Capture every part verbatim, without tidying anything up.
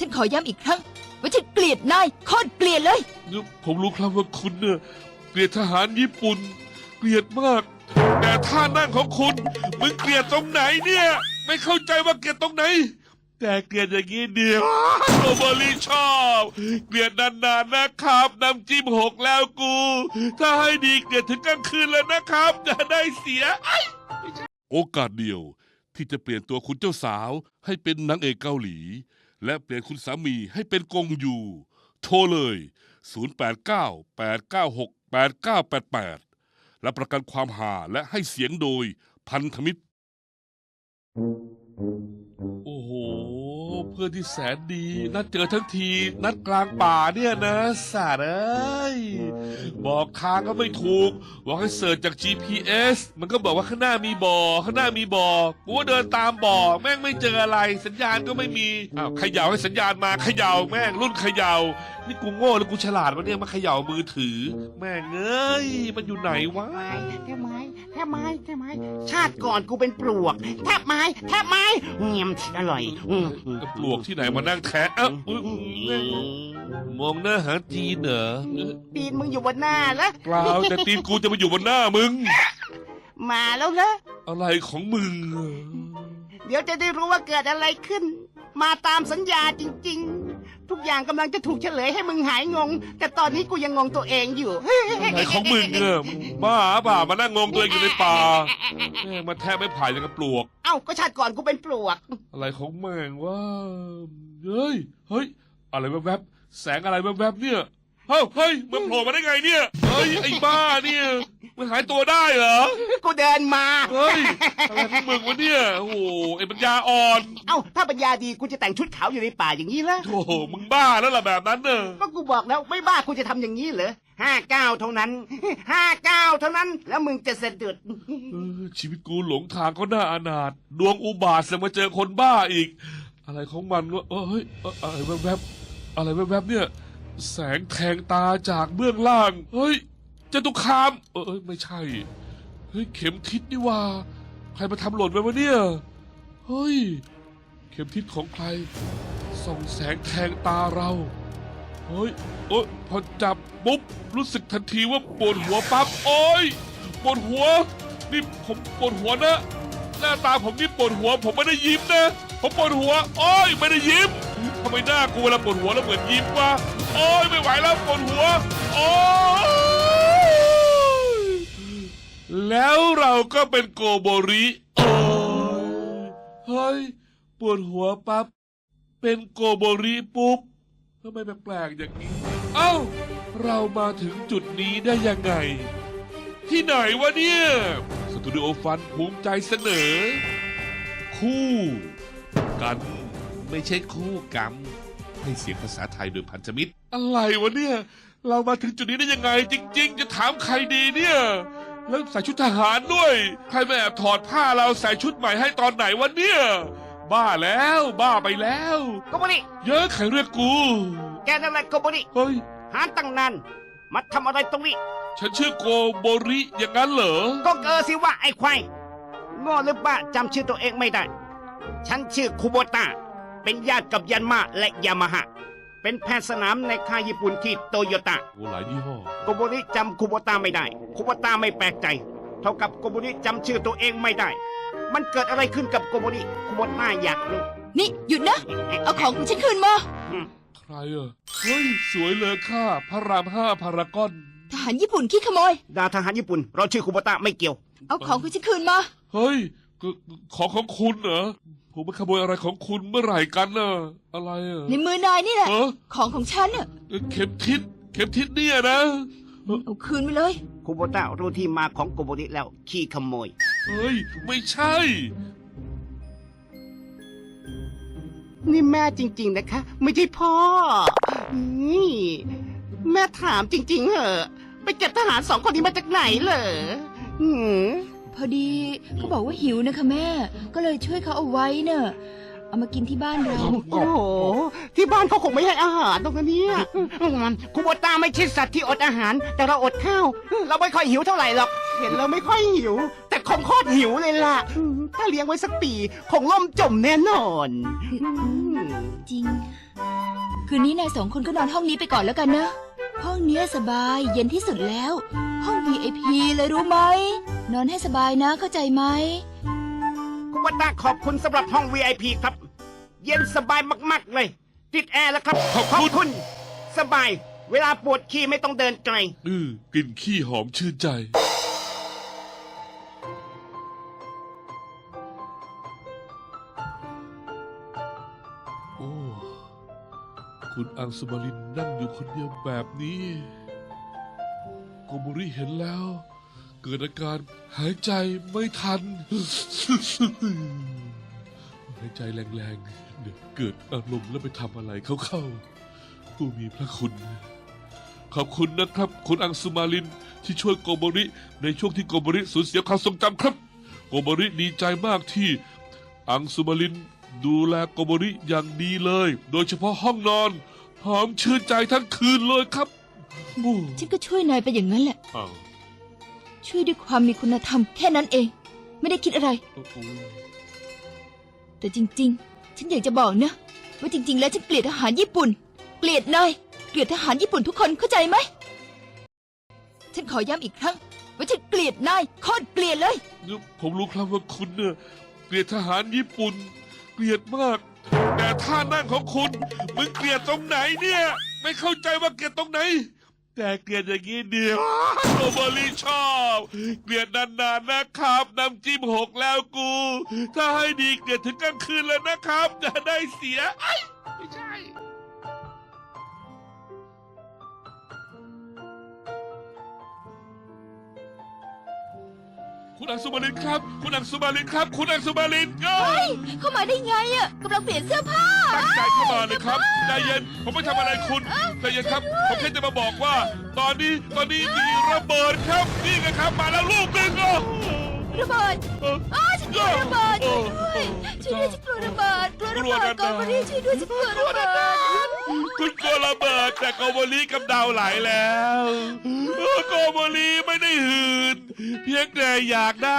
ฉันขอย้ำอีกครั้งว่าฉันเกลียดนายโคตรเกลียดเลยผมรู้ครับว่าคุณเนี่ยเกลียดทหารญี่ปุ่นเกลียดมาก แต่ท่านั่งของคุณมึงเกลียดตรงไหนเนี่ยไม่เข้าใจว่าเกลียดตรงไหนแต่เกลียดอย่างนี้เดียวโรบอรี่ชอบเกลียดนานๆนะครับน้ำจิ้มหกแล้วกู ถ้าให้ดีเกลียดถึงกลางคืนเลยนะครับจะได้เสียโอกาสเดียวที่จะเปลี่ยนตัวคุณเจ้าสาวให้เป็นนางเอกเกาหลีและเปลี่ยนคุณสามีให้เป็นกงยูโทรเลยศูนย์ แปด เก้า แปด เก้า หก แปด เก้า แปด แปดรับประกันความหาและให้เสียงโดยพันธมิตรโอ้โหเพื่อนที่แสนดีนัดเจอทั้งทีนัดกลางป่าเนี่ยนะสัตว์เอ้ยบอกทางก็ไม่ถูกบอกให้เสิร์ชจาก จี พี เอส มันก็บอกว่าข้างหน้ามีบ่อข้างหน้ามีบ่อกูก็เดินตามบ่อแม่งไม่เจออะไรสัญญาณก็ไม่มีอ้าวเขย่าให้สัญญาณมาเขย่าแม่งรุ่นเขย่านี่กูโง่หรือกูฉลาดวะเนี่ยมาเขย่ามือถือแม่งเอ้ยมันอยู่ไหนวะแทบไม้แทบไม้แทบไม้ชาติก่อนกูเป็นปลวกแทบไม้แทบไม้เงียมอร่อยอืมปลวกที่ไหนมานั่งแทะเอ้าอุ๊ยมองหน้าหาจีนเหรอตีนมึงอยู่บนหน้าแล้วเปล่าแต่ตีนกูจะมาอยู่บนหน้ามึงมาแล้วนะอะไรของมึงเดี๋ยวจะได้รู้ว่าเกิดอะไรขึ้น มาตามสัญญาจริงๆ ทุกอย่างกำลังจะถูกเฉลยให้มึงหายงง แต่ตอนนี้กูยังงงตัวเองอยู่อะไรของมึงเนี่ยมึงบ้าเปล่ามานั่งงงตัวเองอยู่ในป่าแม่งมาแทะไม่ผ่ายอย่างกับปลวกเอ้าก็ชาติก่อนกูเป็นปลวกอะไรของแม่งวะเฮ้ยเฮ้ยอะไรแวบๆแสงอะไรแวบๆเนี่ยเฮ้ยเฮ้ยมันโผล่มาได้ไงเนี่ยเฮ้ยไอ้บ้าเนี่ยมันหายตัวได้เหรอกูเดินมาเฮ้ยอะไรของมึงวะเนี่ยโอ้โหไอ้ปัญญาอ่อนเอ้าถ้าปัญญาดีกูจะแต่งชุดขาวอยู่ในป่าอย่างนี้ละโอ้โหมึงบ้าแล้วล่ะแบบนั้นเนอะก็กูบอกแล้วไม่บ้ากูจะทำอย่างนี้เหรอห้าเก้าเท่านั้นห้าเก้าเท่านั้น แล้วมึงจะสะดุดเออชีวิตกูหลงทางก็น่าอนาถดวงอุบาทจะมาเจอคนบ้าอีก อะไรของมันวะเออเฮ้ยเอออะไรแวบๆอะไรแวบๆเนี่ย แสงแทงตาจากเบื้องล่างเฮ้ยจตุคามเออเอ้ยไม่ใช่เฮ้ยเข็มทิศนี่ว่าใครมาทำหล่นไปวะเนี่ยเฮ้ยเข็มทิศของใครส่องแสงแทงตาเราเฮ้ยโอ๊ยพอจับปุ๊บรู้สึกทันทีว่าปวดหัวปั๊บโอ๊ยปวดหัวนี่ผมปวดหัวนะหน้าตาผมนี่ปวดหัวผมไม่ได้ยิ้มนะผมปวดหัวโอ๊ยไม่ได้ยิ้มทำไมหน้ากูเวลาปวดหัวแล้วเหมือนยิ้มวะโอ๊ยไม่ไหวแล้วปวดหัวโอ๊ยแล้วเราก็เป็นโกโบริโอ๊ยเฮ้ยปวดหัวปั๊บเป็นโกโบริปุ๊บทำไมแปลกๆอย่างนี้เอ้าเรามาถึงจุดนี้ได้ยังไงที่ไหนวะเนี่ยสตูดิโอฟันภูมิใจเสนอคู่กันไม่ใช่คู่กรรมให้เสียงภาษาไทยโดยพันธมิตรอะไรวะเนี่ยเรามาถึงจุดนี้ได้ยังไงจริงๆจะถามใครดีเนี่ยแล้วใส่ชุดทหารด้วยใครมาแอบถอดผ้าเราใส่ชุดใหม่ให้ตอนไหนวะเนี่ยบ้าแล้วบ้าไปแล้วโกโบริเยอะใครเรียกกูแกนั่นแหละโกโบริเฮ้ยหาตั้งนานมาทำอะไรตรงนี้ฉันชื่อโกโบริอย่างนั้นเหรอก็เกอสิว่าไอ้ควายโง่หรือบ้าจำชื่อตัวเองไม่ได้ ฉันชื่อคุโบตะเป็นญาติกับยันมาและยามาฮะเป็นแพทย์สนามในค่ายญี่ปุ่นที่โตโยต้าโอ้หลายยี่ห้อโกโบริจำคุโบตะไม่ได้คุโบตะไม่แปลกใจ เท่ากับโกโบริจำชื่อตัวเองไม่ได้ มันเกิดอะไรขึ้นกับโกโบริคุโบตะอยากรู้นี่หยุดนะ เอาของของฉันคืนมาอืมใครอ่ะเฮ้ยสวยเลยค่ะพระรามห้าพารากอนทหารญี่ปุ่นขี้ขโมยดาวทหารญี่ปุ่น เราชื่อคุโบตะไม่เกี่ยวเอาของของฉันคืนมาเฮ้ยก็ของของคุณเหรอผมมาขโมยอะไรของคุณเมื่อไหร่กันน่ะอะไรอ่ะในมือนายนี่แหละเออของของฉันน่ะเข็มทิศเข็มทิศเนี่ยนะเอาคืนไปเลยคุโบตะรู้ที่มาของโกโบริแล้วขี้ขโมยเฮ้ยไม่ใช่นี่แม่จริง ๆนะคะ ไม่ใช่พ่อนี่แม่ถามจริง ๆเหรอไปเก็บทหารสองคนนี้มาจากไหนเหรอหืมพอดีเขาบอกว่าหิวนะคะแม่ ก็เลยช่วยเขาเอาไว้เนอะเอามากินที่บ้านเราโอ้โหที่บ้านเขาคงไม่ให้อาหารตรงนี้เนี่ยคุโบตาไม่ใช่สัตว์ที่อดอาหาร แต่เราอดข้าว เราไม่ค่อยหิวเท่าไหร่หรอก เห็นเราไม่ค่อยหิว แต่คงโคตรหิวเลยล่ะถ้าเลี้ยงไว้สักปี คงล่มจมแน่นอนจริงคืนนี้นายสองคนก็นอนห้องนี้ไปก่อนแล้วกันนะ ห้องเนี้ยสบายเย็นที่สุดแล้ว ห้อง วี ไอ พี เลยรู้ไหม นอนให้สบายนะเข้าใจไหมคุณวัตตาขอบคุณสำหรับห้อง วี ไอ พี ครับ เย็นสบายมากๆเลย ติดแอร์แล้วครับขอบคุณคุณ สบาย เวลาปวดขี้ไม่ต้องเดินไกลอือกลิ่นขี้หอมชื่นใจ โอ้ คุณอังสุมารินนั่งอยู่คนเดียวแบบนี้ โกโมริเห็นแล้ว เกิดอาการหายใจไม่ทัน หายใจแรงๆ เดี๋ยวเกิดอารมณ์แล้วไปทำอะไรเข้าๆ ผู้มีพระคุณ ขอบคุณนะครับ คุณอังสุมาลินที่ช่วยโกโมริในช่วงที่โกโมริสูญเสียความทรงจำครับ โกโมริดีใจมากที่อังสุมาลินดูแลโกโมริอย่างดีเลย โดยเฉพาะห้องนอน หอมชื่นใจทั้งคืนเลยครับโอ้ฉันก็ช่วยนายไปอย่างนั้นแหละอ้าวช่วยด้วยความมีคุณธรรมแค่นั้นเอง ไม่ได้คิดอะไรโอ้โหแต่จริงๆ ฉันอยากจะบอกนะ ว่าจริง ๆ แล้วฉันเกลียดทหารญี่ปุ่น เกลียดนาย เกลียดทหารญี่ปุ่นทุกคนเข้าใจไหม ฉันขอย้ำอีกครั้ง ว่าฉันเกลียดนายโคตรเกลียดเลยผมรู้ครับว่าคุณเนี่ยเกลียดทหารญี่ปุ่น เกลียดมาก แต่ท่านั่งของคุณมึงเกลียดตรงไหนเนี่ย ไม่เข้าใจว่าเกลียดตรงไหน แต่เกลียดอย่างนี้เดียวโกโมริชอบ เกลียดนานๆนะครับน้ำจิ้มหกแล้วกู ถ้าให้ดีเกลียดถึงกลางคืนเลยนะครับจะได้เสียไอ้ยไม่ใช่ คุณอังสุมาลินครับ คุณอังสุมาลินครับ คุณอังสุมาลินก็เข้ามาได้ไงอ่ะกำลังเปลี่ยนเสื้อผ้าตั้งใจเข้ามาเลยครับใจเย็นผมไม่ทำอะไรคุณใจเย็นครับ ผมแค่จะมาบอกว่า ตอนนี้ตอนนี้มีระเบิดครับนี่ไงครับมาแล้วลูกหนึ่งอ่ะระเบิดเอออ้าฉันกลัวระเบิดช่วยด้วยช่วยด้วยฉันกลัวระเบิดกลัวระเบิดก่อนมาดิช่วยด้วยฉันกลัวระเบิดคุณกลัวระเบิดแต่โกโมลีกำเดาไหลแล้วเออโกโมลีไม่ได้หืนเพียงแต่อยากได้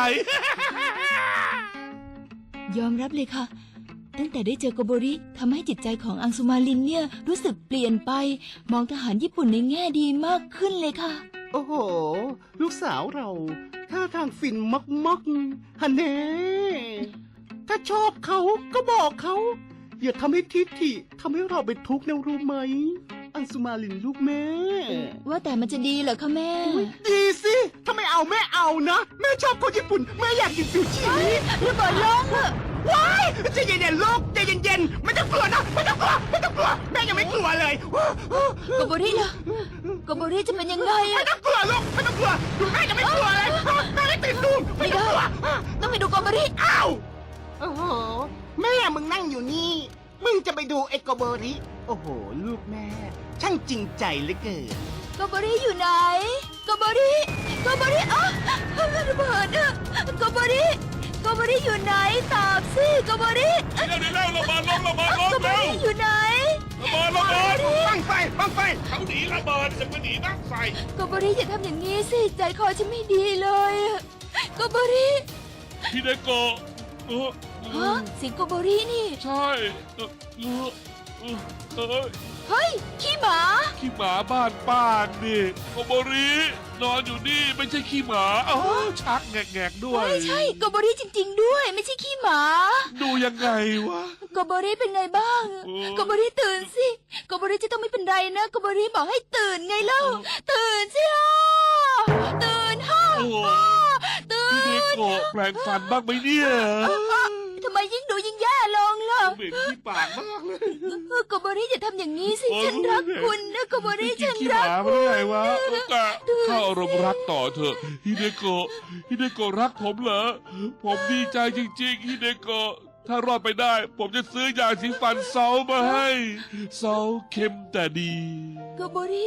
ยอมรับเลยค่ะ ตั้งแต่ได้เจอโกโบริทำให้จิตใจของอังสุมาลินเนี่ยรู้สึกเปลี่ยนไป มองทหารญี่ปุ่นในแง่ดีมากขึ้นเลยค่ะโอ้โห ลูกสาวเราท่าทางฟินมักๆฮันเน่ถ้าชอบเขาก็บอกเขา อย่าทำให้ทิฐิทำให้เราเป็นทุกข์นะรู้ไหม อังสุมาลินลูกแม่ว่าแต่มันจะดีเหรอคะแม่ดีสิถ้าไม่เอาแม่เอานะ แม่ชอบคนญี่ปุ่น แม่อยากกินซูชิระเบิดลงอะว้ายใจเย็นๆลูกใจเย็นๆไม่ต้องกลัวนะไม่ต้องกลัวไม่ต้องกลัวแม่ยังไม่กลัวเลยโกโบริล่ะโกโบริจะเป็นยังไงไม่อะต้องกลัวลูกไม่ต้องกลัวดูแม่ยังไม่กลัวเลยแม่ไม่ตื่นตูมไม่ต้องกลัวต้องไปดูโกโบริอ้าวโอ้โหแม่มึงนั่งอยู่นี่ มึงจะไปดูไอ้โกโบริโอ้โห ลูกแม่ ช่างจริงใจเหลือเกินโกโบริอยู่ไหนโกโบริโกโบริอ๋อระเบิดอะโกโบริโกโบริอยู่ไหนตอบสิโกโบริเดี๋ยวเดี๋ยวระเบิดลงระเบิดลงโกโบเร็วริอยู่ไหนระเบิดระเบิดบังไฟบังไฟเขาหนีระเบิดจะมาหนีบ้างไฟโกโบริอย่าทำอย่างนี้สิใจคอฉันไม่ดีเลยอะโกโบริพี่เดโกะเออเอฮะอเสียงโกโบรินี่ใช่เออเออเออเออเฮ้ยขี้หมาขี้หมาบ้านป้านี่โกโบรินอนอยู่นี่ไม่ใช่ขี้หมาอ๋อชักแงกๆด้วยไม่ใช่โกโบริจริง ๆ ด้วย ไม่ใช่ขี้หมาดูยังไงวะโกโบริเป็นไงบ้างโอ้โกโบริตื่นสิโกโบริจะต้องไม่เป็นไรนะโกโบริบอกให้ตื่นไงเล่า ตื่นสิฮ่าตื่นฮ่าโอ้ฮ่าตื่พี่เดนโกะแปลงฟันบ้างไหมเนี่ยทำไมยิ่งดูยิ่งแย่ลงล่ะเหม็นที่ปากมากเลยโกโบริอย่าทำอย่างนี้สิโอ้ฉันรักคุณนะโกโบริกิฉันนขี้หรักมาคุไม่ณได้วะกะเข้าอารมณ์รักต่อเถอะฮิเดโกะฮิเดโกะรักผมเหรอ ผมดีใจจริงๆฮิเดโกะถ้ารอดไปได้ ผมจะซื้อยาสีฟันเซามาให้เซาเค็มแต่ดีโกโบริ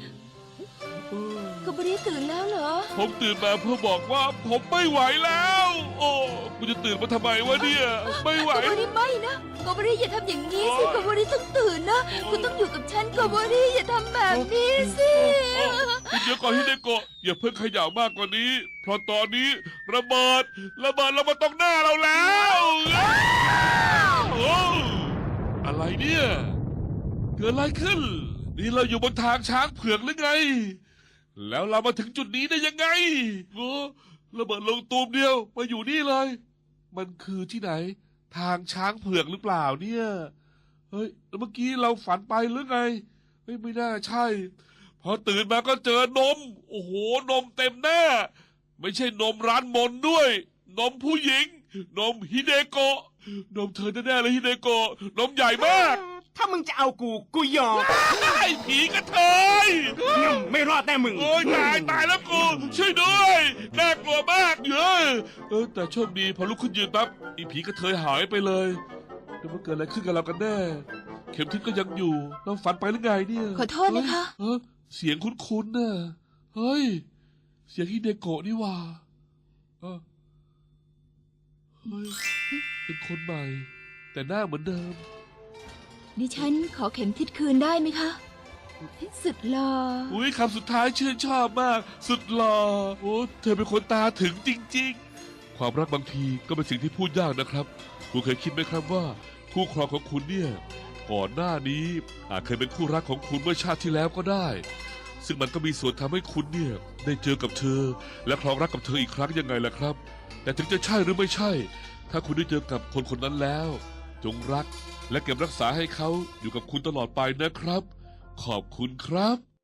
โกโบริตื่นแล้วเหรอผมตื่นมาเพื่อบอกว่าผมไม่ไหวแล้ว โอ้กูจะตื่นมาทำไมวะเนี่ย ไม่ไหวโกโบริไม่นะโกโบริอย่าทำอย่างนี้สิโกโบริต้องตื่นนะ คุณต้องอยู่กับฉันโกโบริอย่าทำแบบนี้สิคุณเดี๋ยวก่อนฮิเดโกะอย่าเพิ่งเขย่ามากกว่านี้ เพราะตอนนี้ระเบิดระเบิดเรามาตรงหน้าเราแล้วโอ้อะไรเนี่ยเกิดอะไรขึ้น นี่เราอยู่บนทางช้างเผือกหรือไง แล้วเรามาถึงจุดนี้ได้ยังไงโอ้ระเบิดลงตูมเดียวมาอยู่นี่เลย มันคือที่ไหน ทางช้างเผือกหรือเปล่าเนี่ย เฮ้ยแล้วเมื่อกี้เราฝันไปหรือไงเฮ้ยไม่น่าใช่ พอตื่นมาก็เจอนม โอ้โห นมเต็มหน้า ไม่ใช่นมร้านมนด้วย นมผู้หญิง นมฮิเดโกะ นมเธอแน่ๆเลยฮิเดโกะ นมใหญ่มากถ้ามึงจะเอากู กูยอมไอ้ผีกระเทยไม่รอดแน่มึงโอ้ยตายตายแล้วกู ช่วยด้วยน่ากลัวมากเยอะเออแต่โชคดีพอลุกขึ้นยืนปั๊บอีผีกระเทยหายไปเลยแล้วมันเกิดอะไรขึ้นกับเรากันแน่ เข็มทิศก็ยังอยู่ เราฝันไปหรือไงเนี่ยขอโทษนะคะเฮ้ยเออเสียงคุ้นๆน่ะเฮ้ย เสียงฮิเดโกะนี่หว่าเออเฮ้ยเป็นคนใหม่ แต่หน้าเหมือนเดิมดิฉันขอเข็มทิศคืนได้ไหมคะสุดหล่ออุ้ยคำสุดท้ายชื่นชอบมาก สุดหล่อโอ้เธอเป็นคนตาถึงจริงๆ ความรักบางทีก็เป็นสิ่งที่พูดยากนะครับคุณเคยคิดไหมครับว่าคู่ครองของคุณเนี่ยก่อนหน้านี้อาจเคยเป็นคู่รักของคุณเมื่อชาติที่แล้วก็ได้ ซึ่งมันก็มีส่วนทำให้คุณเนี่ยได้เจอกับเธอ และครองรักกับเธออีกครั้งยังไงล่ะครับ แต่ถึงจะใช่หรือไม่ใช่ ถ้าคุณได้เจอกับคนคนนั้นแล้ว จงรักและเก็บรักษาให้เขาอยู่กับคุณตลอดไปนะครับ ขอบคุณครับ